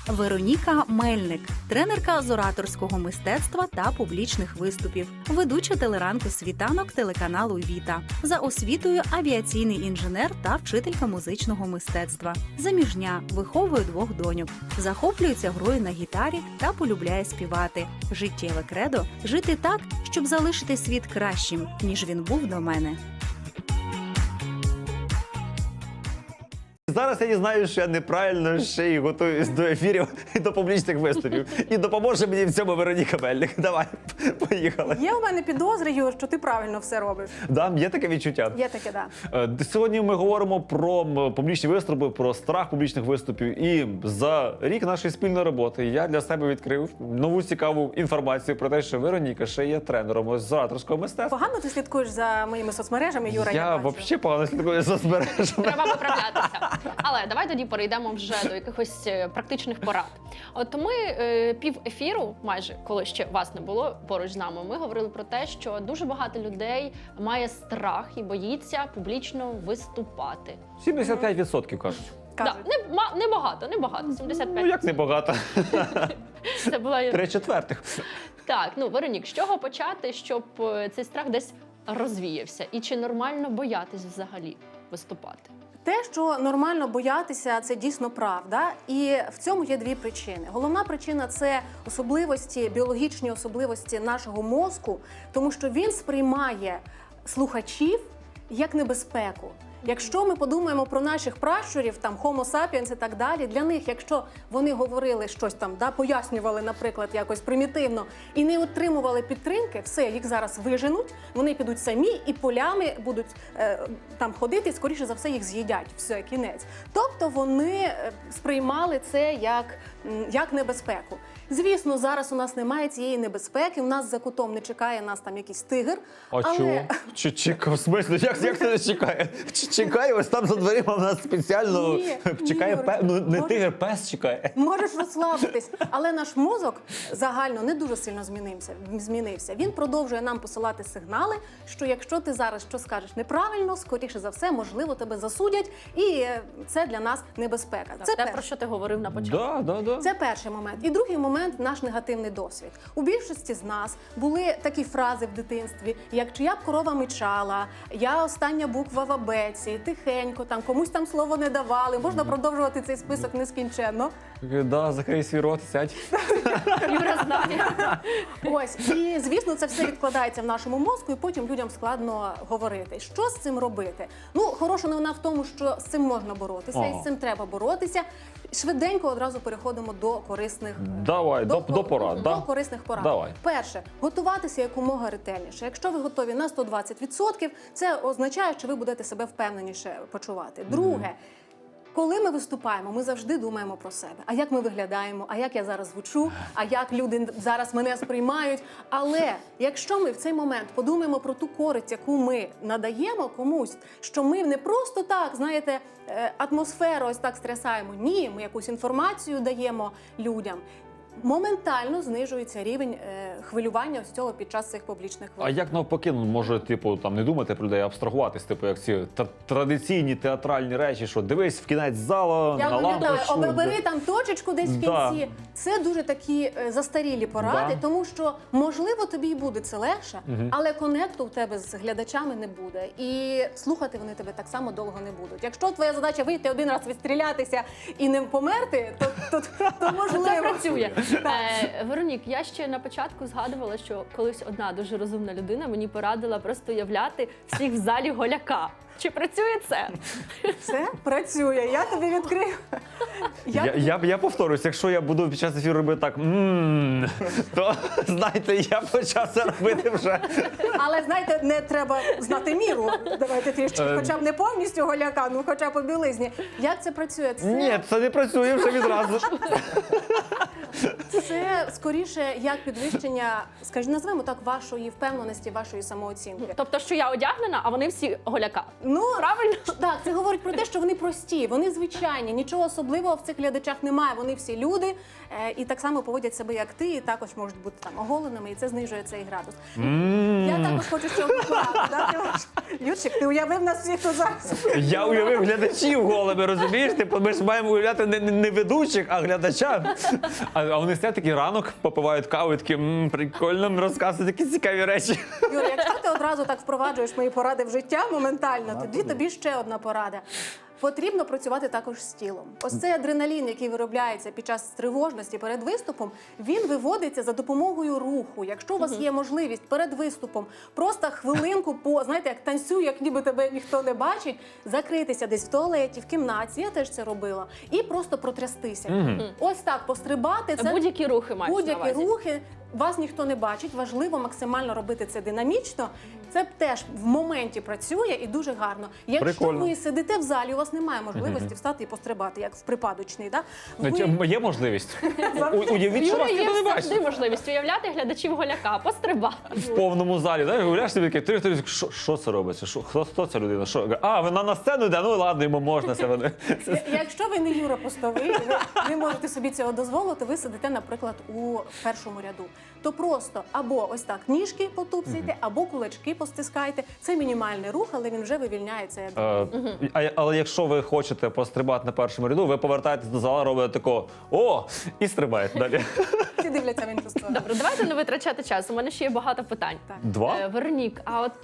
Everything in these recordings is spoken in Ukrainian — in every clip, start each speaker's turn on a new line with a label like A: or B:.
A: Вероніка Мельник, тренерка з ораторського мистецтва та публічних виступів, ведуча телеранку «Світанок» телеканалу «Віта». За освітою авіаційний інженер та вчителька музичного мистецтва. Заміжня, виховує 2 доньок. Захоплюється грою на гітарі та полюбляє співати. Життєве кредо – жити так, щоб залишити світ кращим, ніж він був до мене.
B: Зараз я дізнаю, що я неправильно ще й готуюсь до ефірів і до публічних виступів. І допоможе мені в цьому Вероніка Мельник. Давай, поїхали.
C: Є у мене підозри, Юр, що ти правильно все робиш.
B: Да, є таке відчуття.
C: Є таке, да.
B: Сьогодні ми говоримо про публічні виступи, про страх публічних виступів. І за рік нашої спільної роботи я для себе відкрив нову цікаву інформацію про те, що Вероніка ще є тренером з ораторського мистецтва.
C: Погано ти слідкуєш за моїми соцмережами, Юра?
B: Я
C: бачу.
B: взагалі погано слідкую за соцмережами.
D: Треба виправлятися. Але давай тоді перейдемо вже до якихось практичних порад. От ми пів ефіру, майже коли ще вас не було поруч з нами, ми говорили про те, що дуже багато людей має страх і боїться публічно виступати.
B: 75% кажуть.
D: Да, небагато, 75.
B: Ну як небагато?
D: Це була
B: 3/4.
D: так. Ну, Веронік, з чого почати, щоб цей страх десь розвіявся? І чи нормально боятись взагалі виступати?
C: Те, що нормально боятися, це дійсно правда. І в цьому є 2 причини. Головна причина – це особливості, біологічні особливості нашого мозку, тому що він сприймає слухачів як небезпеку. Якщо ми подумаємо про наших пращурів, там Homo sapiens і так далі, для них, якщо вони говорили щось там, пояснювали, наприклад, якось примітивно, і не отримували підтримки, все, їх зараз виженуть, вони підуть самі і полями будуть там ходити, і, скоріше за все, їх з'їдять, все, кінець. Тобто вони сприймали це як небезпеку. Звісно, зараз у нас немає цієї небезпеки, у нас за кутом не чекає нас там якийсь тигр.
B: А чого? В смислі? Як це не чекає? Чекає, ось там за дверима в нас спеціально чекає пес. Ну, не тигр, пес чекає.
C: Можеш розслабитись. Але наш мозок загально не дуже сильно змінився. Він продовжує нам посилати сигнали, що якщо ти зараз що скажеш неправильно, скоріше за все, можливо, тебе засудять, і це для нас небезпека.
D: Це те, про що ти говорив на початку.
B: Да.
C: Це перший момент. І другий момент – наш негативний досвід. У більшості з нас були такі фрази в дитинстві, як «чия б корова мичала», «я остання буква в абеці», «тихенько», там, комусь там слово не давали. Можна продовжувати цей список нескінченно.
B: Да, закрий свій рот, сядь.
D: Юра знає.
C: Ось, і, звісно, це все відкладається в нашому мозку, і потім людям складно говорити. Що з цим робити? Ну, хороша новина в тому, що з цим можна боротися, і з цим треба боротися. Швиденько одразу переходимо до корисних
B: порад.
C: До корисних порад.
B: Давай.
C: Перше, готуватися якомога ретельніше. Якщо ви готові на 120%, це означає, що ви будете себе впевненіше почувати. Друге, коли ми виступаємо, ми завжди думаємо про себе. А як ми виглядаємо, а як я зараз звучу, а як люди зараз мене сприймають. Але якщо ми в цей момент подумаємо про ту користь, яку ми надаємо комусь, що ми не просто так, знаєте, атмосферу ось так стрясаємо. Ні, ми якусь інформацію даємо людям. Моментально знижується рівень хвилювання ось цього під час цих публічних виступів.
B: А як навпаки, може, там не думати про людей, а абстрагуватись, як ці традиційні театральні речі, що дивись в кінець зала, на лампочку.
C: Обери там точечку десь в кінці. Це дуже такі застарілі поради, тому що, можливо, тобі і буде це легше, але конекту в тебе з глядачами не буде. І слухати вони тебе так само довго не будуть. Якщо твоя задача вийти один раз відстрілятися і не померти, то можливо.
D: Це працює. Веронік, я ще на початку згадувала, що колись одна дуже розумна людина мені порадила просто уявляти всіх в залі голяка. Чи працює це?
C: Це працює. Я тобі відкрию.
B: Я повторюсь, якщо я буду під час ефіру робити так, то, знаєте, я почав це робити вже.
C: Але, знаєте, не треба знати міру. Давайте трішки, хоча б не повністю голяка, ну хоча б по білизні. Як це працює?
B: Ні, це не працює вже відразу.
C: Це скоріше як підвищення, скажімо, назвемо так, вашої впевненості, вашої самооцінки.
D: Тобто, що я одягнена, а вони всі голяка.
C: Ну,
D: Правильно?
C: так, це говорить про те, що вони прості, вони звичайні, нічого особливого в цих глядачах немає. Вони всі люди і так само поводять себе, як ти, і також можуть бути там оголеними, і це знижує цей градус. Я також хочу ще одну пораду дати вам. Юрчик, ти уявив нас всіх тут зараз.
B: Я уявив глядачів голими, розумієш? Типу, ми ж маємо уявляти не ведучих, а глядача. А вони сидять такий ранок, попивають каву і такі, прикольно, розказують такі цікаві речі.
C: Юра, якщо ти одразу так впроваджуєш мої поради в життя моментально, тоді тобі ще одна порада. Потрібно працювати також з тілом. Ось цей адреналін, який виробляється під час тривожності перед виступом, він виводиться за допомогою руху. Якщо у вас є можливість перед виступом просто хвилинку знаєте, як танцюю, як ніби тебе ніхто не бачить, закритися десь в туалеті, в кімнаті, я теж це робила, і просто протрястися. Ось так пострибати. Це
D: Будь-які рухи мають на
C: будь-які
D: увазі.
C: рухи. Вас ніхто не бачить, важливо максимально робити це динамічно. Це теж в моменті працює і дуже гарно. Якщо
B: Прикольно.
C: ви сидите в залі, у вас немає можливості встати і пострибати, як в припадочний. Да?
B: Є можливість. Уявіть, що
D: Юра,
B: вас
D: є
B: ніхто не
D: завжди
B: бачить.
D: можливість уявляти глядачів голяка, пострибати.
B: В повному залі, знаєш, гуляєш собі такий, що це робиться? Хто ця людина? А, вона на сцену йде? Ну ладно, йому можна це.
C: Якщо ви не Юра Постовий, ви не можете собі цього дозволити, ви сидите, наприклад, у першому ряду. То просто або ось так ніжки потупсуйте, або кулачки постискайте. Це мінімальний рух, але він вже вивільняє цей адреналін.
B: Але якщо ви хочете пострибати на першому ряду, ви повертаєтесь до зала, робите такого «О!» і стрибаєте далі.
C: Всі дивляться в іншу сторону.
D: Добре, давайте не витрачати час. У мене ще є багато питань.
C: Так.
B: 2?
D: Веронік, а от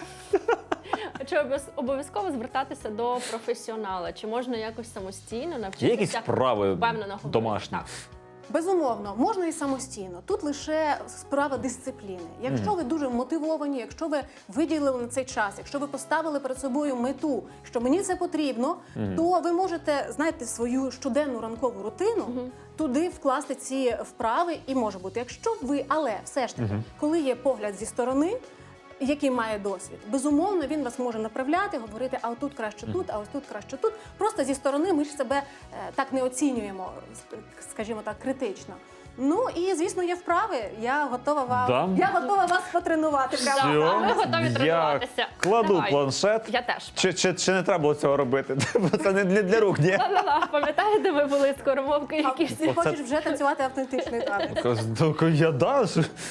D: чи обов'язково звертатися до професіонала? Чи можна якось самостійно навчитися?
B: Є якісь вправи
D: впевнено говорити?
B: домашні?
D: Так.
C: Безумовно, можна і самостійно. Тут лише справа дисципліни. Якщо ви дуже мотивовані, якщо ви виділили на цей час, якщо ви поставили перед собою мету, що мені це потрібно, то ви можете, знаєте, свою щоденну ранкову рутину туди вкласти ці вправи і може бути. Якщо ви, але все ж таки, коли є погляд зі сторони, який має досвід, безумовно, він вас може направляти, говорити, а отут краще тут, а ось тут краще тут. Просто зі сторони ми ж себе так не оцінюємо, скажімо так, критично. Ну і, звісно, є вправи. Я готова вас потренувати.
B: Все,
D: ми готові
B: я
D: тренуватися.
B: кладу
D: Давай.
B: планшет.
D: Я теж.
B: Чи не треба було цього робити? Бо це не для рук, ні?
D: Ла-ла-ла, пам'ятаєте, ми були скоромовки
C: А
D: якісь?
C: ти хочеш вже танцювати автентичний танець?
B: Я да.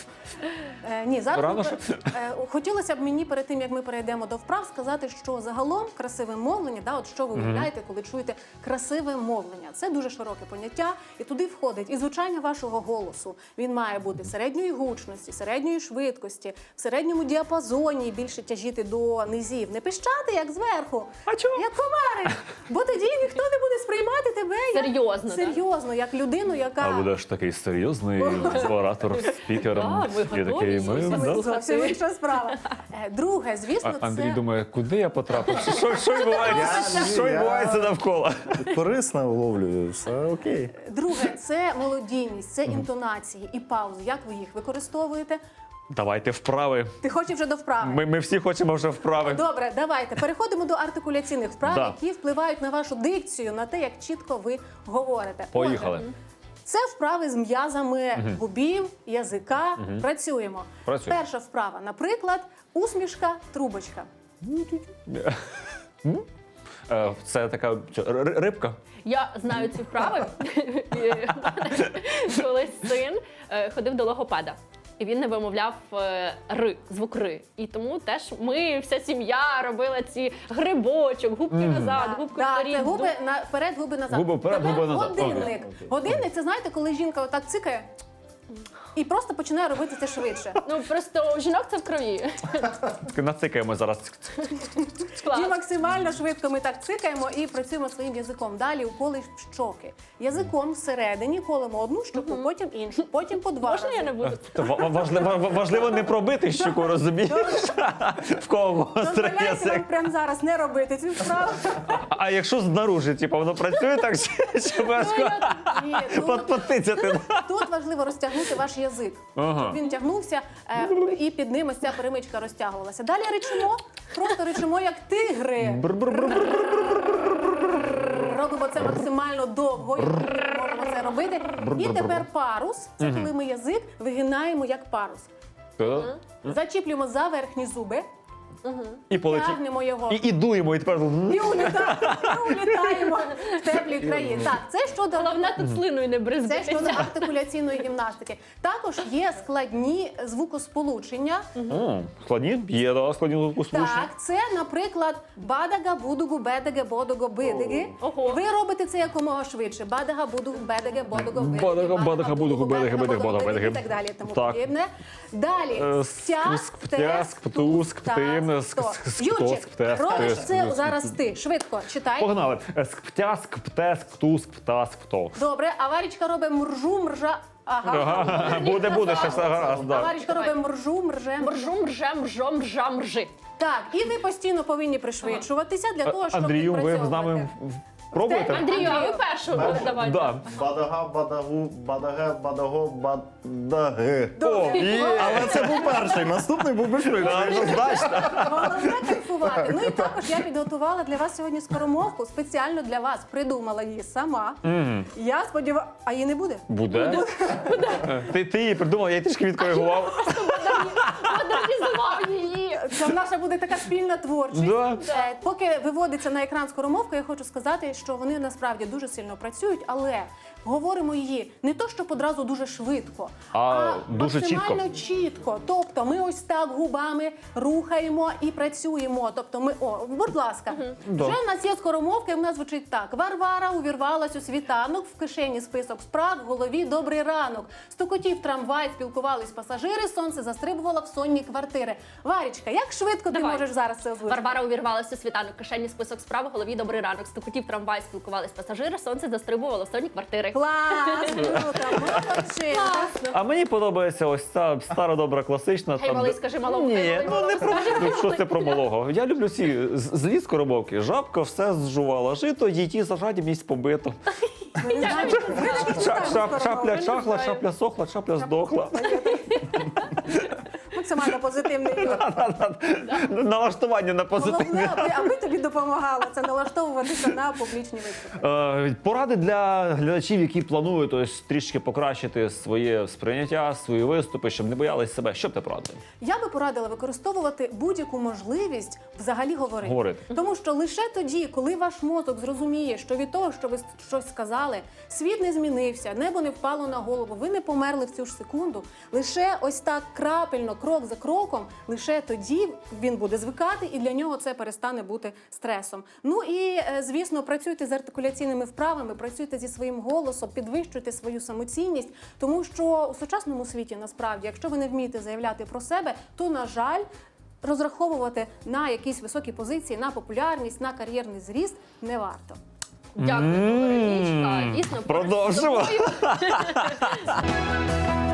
C: Ні, зараз
B: Рано,
C: хотілося б мені перед тим, як ми перейдемо до вправ, сказати, що загалом красиве мовлення, от що ви уявляєте, коли чуєте красиве мовлення. Це дуже широке поняття, і туди входить і звучання вашого голосу. Він має бути середньої гучності, середньої швидкості, в середньому діапазоні, більше тяжіти до низів. Не пищати, як зверху,
B: А чого?
C: як комарик, бо тоді ніхто не буде сприймати тебе
D: Серйозно, так?
C: серйозно, як людину, яка...
B: А будеш такий серйозний оратор, спікер.
D: Так, ви
B: І такий,
D: готові зовсім.
B: да.
C: Зовсім інша справа. Друге, звісно,
B: Андрій
C: це...
B: думає, куди я потрапив? Що відбувається? Що відбувається навколо?
E: Корисно вловлюю, все окей.
C: Друге, це мелодійність, це інтонації і паузи. Як ви їх використовуєте?
B: Давайте вправи.
C: Ти хочеш вже до вправи?
B: Ми всі хочемо вже вправи.
C: Добре, давайте. Переходимо до артикуляційних вправ,
B: Да.
C: які впливають на вашу дикцію, на те, як чітко ви говорите.
B: Поїхали.
C: Отже, це вправи з м'язами губів, язика. Працюємо.
B: Працюємо.
C: Перша вправа, наприклад, усмішка, трубочка.
B: Це така рибка.
D: Я знаю ці вправи. І колись син ходив до логопеда. І він не вимовляв ри, звук ри. І тому теж ми, вся сім'я, робила ці грибочок, губки назад, губки
C: Так,
D: вперед.
C: це губи вперед, губи назад.
B: Губи вперед,
C: Тепер
B: губи назад.
C: Годинник. Годинник, це знаєте, коли жінка отак цикає і просто починає робити це швидше.
D: Ну просто у жінок це в крові.
B: Нацикаємо зараз.
D: Клас.
C: І максимально швидко ми так цикаємо і працюємо своїм язиком. Далі уколи в щоки. Язиком всередині колемо одну щоку, потім іншу, потім по два
D: Можна
C: рази.
D: я не буду?
B: Важливо не пробити щуку, розумієш? В кого гострий
C: Дозволяйте вам
B: язик.
C: прямо зараз не робити цю вправу.
B: А якщо знаружи, типу, воно працює так, чи важко
C: Ні,
B: потицяти?
C: тут важливо розтягнути ваш язик.
B: Ага.
C: Щоб він тягнувся і під ним ось ця перемичка розтягувалася. Далі ричимо, просто ричимо як тигри. Робимо це максимально довго, і можемо це робити. І тепер парус. Це коли ми язик вигинаємо як парус. Зачіплюємо за верхні зуби,
B: І полетів.
C: тягнемо його.
B: І дуємо, і тепер...
C: І улітаємо в теплі краї. Так, це щодо
D: Головне тут слиною не
C: Це щодо
D: бризгатися.
C: артикуляційної гімнастики. Також є складні звукосполучення.
B: Складні? Є, да, складні звукосполучення.
C: Так, це, наприклад, бадага, будугу, бедеге, бодого, бидиги.
D: Ого.
C: Ви робите це якомога швидше. Бадага, будугу, бедеге, бодого, бидиги.
B: Бадага, будугу, бедеге, бодого, бедеге.
C: І так далі, тому
B: Так.
C: подібне. Далі. Стяск,
B: Птяск, птуск, птим,
C: Юрчик, робиш це зараз ти. Швидко, читай.
B: Погнали. Скптяск, птеск, птуск, птаск, птовк.
C: Добре, а Варічка робить мржу, мржа. Ага.
B: Буде, ще все гаразд.
C: А
B: Да.
C: Варічка робить мржу, мрже,
D: Мржу, мрже, мржо, мржа, мржи.
C: Так, і ви постійно повинні пришвидшуватися для того, щоб
B: Андрію, ви з
C: відпрацьовувати.
B: нами пробуєте?
D: Андрію, а ви першу давайте.
B: Да.
E: Бадага, бадагу, бадаге, бадаго, бадаге.
B: О, є!
E: Але це був перший, наступний був би швидше.
B: Однозначно.
C: Головне кайфувати. Ну і також я підготувала для вас сьогодні скоромовку, спеціально для вас. Придумала її сама. Я сподіваюся, а її не буде?
B: Буде? Ти її придумав, я її трішки відкоригував.
D: Модернізував її.
C: Це наша буде така спільна творчість.
B: Да.
C: Поки виводиться на екран скоромовка, я хочу сказати, що вони насправді дуже сильно працюють, але говоримо її не то, щоб одразу дуже швидко,
B: А дуже
C: максимально чітко. Тобто ми ось так губами рухаємо і працюємо. Тобто ми, будь ласка,
B: Да.
C: вже в нас є скоромовка, і в нас звучить так. Варвара увірвалась у світанок, в кишені список справ, в голові добрий ранок. Стукотів трамвай, спілкувались пасажири, сонце застрибувало в сонні квартири. Варічка, як швидко ти
D: Давай.
C: можеш зараз це озвучити?
D: Варвара увірвалася у світанок, кишені список справ, у голові добрий ранок. Стукотів трамвай, спілкувались пасажири, сонце застрибувало в сонні квартири.
C: Клас, круто, молодчина.
B: А мені подобається ось ця стара добра класична.
D: Гей,
B: там,
D: малий,
B: де-
D: скажи малому.
B: Ні,
D: Гей,
B: ну
D: малий,
B: не про
D: скажи
B: що це про малого. Я люблю ці злі скоромовки. Жабка все зжувала жито, її за жадібність побито. Шапля чахла, шапля сохла, шапля здохла.
C: Максимально позитивний юмор.
B: Налаштування на позитивне.
C: Головне, аби тобі допомагало це налаштовуватися на публічні виступи.
B: Поради для глядачів, які планують ось трішки покращити своє сприйняття, свої виступи, щоб не боялись себе. Що б ти порадив?
C: Я би порадила використовувати будь-яку можливість взагалі говорити. Тому що лише тоді, коли ваш мозок зрозуміє, що від того, що ви щось сказали, світ не змінився, небо не впало на голову, ви не померли в цю ж секунду, лише ось так крапельно, крок за кроком, лише тоді він буде звикати, і для нього це перестане бути стресом. Ну і, звісно, працюйте з артикуляційними вправами, працюйте зі своїм голосом, підвищуйте свою самоцінність, тому що у сучасному світі, насправді, якщо ви не вмієте заявляти про себе, то, на жаль, розраховувати на якісь високі позиції, на популярність, на кар'єрний зріст не варто.
D: Дякую, Веронічка. Дійсно, поруч з
B: Продовжимо.
D: тобою